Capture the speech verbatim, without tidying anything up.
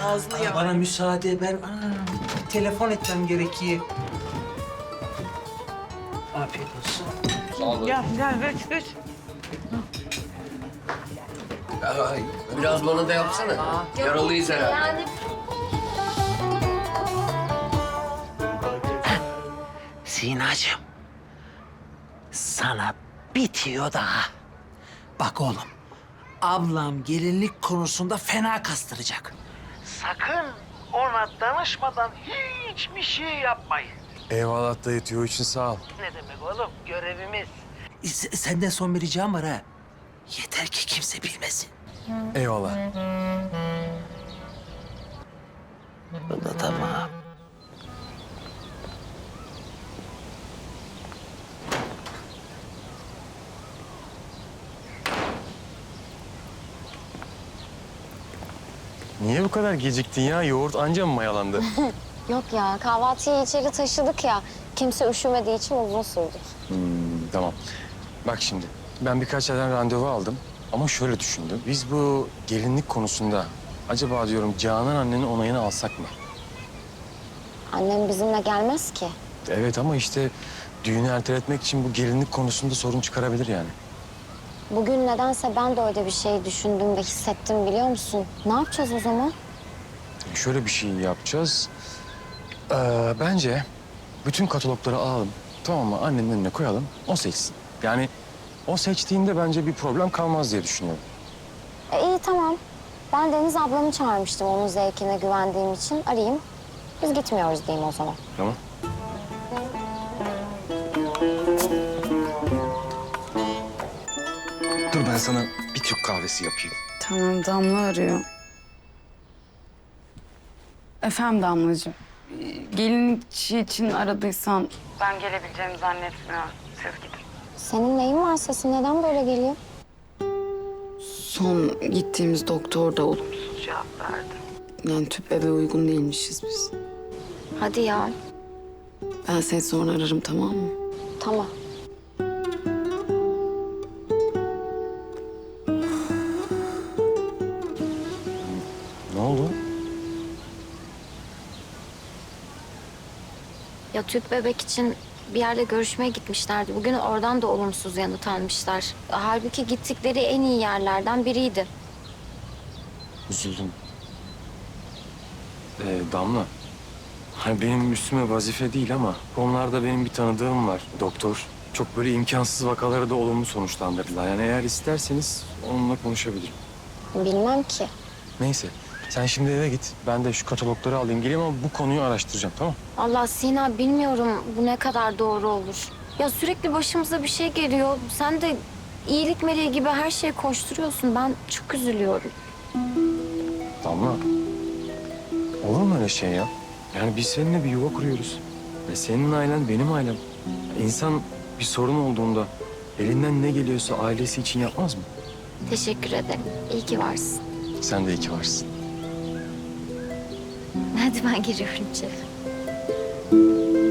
ağzını ya. Bana müsaade, ben aa, telefon etmem gerekiyor. Afiyet olsun. Sağ olun. Gel, gel, ver, ver. Ay, biraz bana da yapsana. Yaralıyız herhalde. Yani Sinacığım, sana bitiyor daha. Bak oğlum, ablam gelinlik konusunda fena kastıracak. Sakın ona danışmadan hiçbir şey yapmayın. Eyvallah dayı, tüyo için sağ ol. Ne demek oğlum, görevimiz. S- senden son bir ricam var ha. Yeter ki kimse bilmesin. Eyvallah. Bu da tamam. Niye bu kadar geciktin ya? Yoğurt anca mı mayalandı? yok ya kahvaltıyı içeri taşıdık ya. Kimse üşümediği için uzun sürdü. Hmm, tamam. Bak şimdi, ben birkaç yerden randevu aldım. Ama şöyle düşündüm. Biz bu gelinlik konusunda acaba diyorum Canan annenin onayını alsak mı? Annem bizimle gelmez ki. Evet ama işte düğünü erteletmek için bu gelinlik konusunda sorun çıkarabilir yani. Bugün nedense ben de öyle bir şey düşündüm ve hissettim biliyor musun? Ne yapacağız o zaman? Şöyle bir şey yapacağız. Ee, bence bütün katalogları alalım. Tamam mı? Annenin önüne koyalım. O seçsin. Yani o seçtiğinde bence bir problem kalmaz diye düşünüyorum. E, iyi tamam. Ben Deniz ablamı çağırmıştım onun zevkine güvendiğim için. Arayayım. Biz gitmiyoruz diyeyim o zaman. Tamam. Dur ben sana bir Türk kahvesi yapayım. Tamam, Damla arıyor. Efendim Damlacığım, ee, gelinlikçi için aradıysan... Ben gelebileceğimi zannetmiyorum. Siz gidin. Senin neyin var sesin? Neden böyle geliyor? Son gittiğimiz doktor da olumsuz cevap verdi. Yani tüp bebe uygun değilmişiz biz. Hadi ya. Ben seni sonra ararım, tamam mı? Tamam. Ne oldu? Ya tüp bebek için bir yerle görüşmeye gitmişlerdi. Bugün oradan da olumsuz yanıt almışlar. Halbuki gittikleri en iyi yerlerden biriydi. Üzüldüm. Ee, Damla. Hani benim üstüme vazife değil ama onlarda benim bir tanıdığım var. Doktor. Çok böyle imkansız vakaları da olumlu sonuçlandırdılar. Yani eğer isterseniz onunla konuşabilirim. Bilmem ki. Neyse. Sen şimdi eve git. Ben de şu katalogları alayım geleyim ama bu konuyu araştıracağım, tamam? Allah Sina bilmiyorum bu ne kadar doğru olur. Ya sürekli başımıza bir şey geliyor. Sen de iyilik meleği gibi her şeye koşturuyorsun. Ben çok üzülüyorum. Damla. Olur mu öyle şey ya? Yani biz seninle bir yuva kuruyoruz. Ve senin ailen benim ailem. İnsan bir sorun olduğunda elinden ne geliyorsa ailesi için yapmaz mı? Teşekkür ederim. İyi ki varsın. Sen de iyi ki varsın. Hadi ben giriyorum içeri.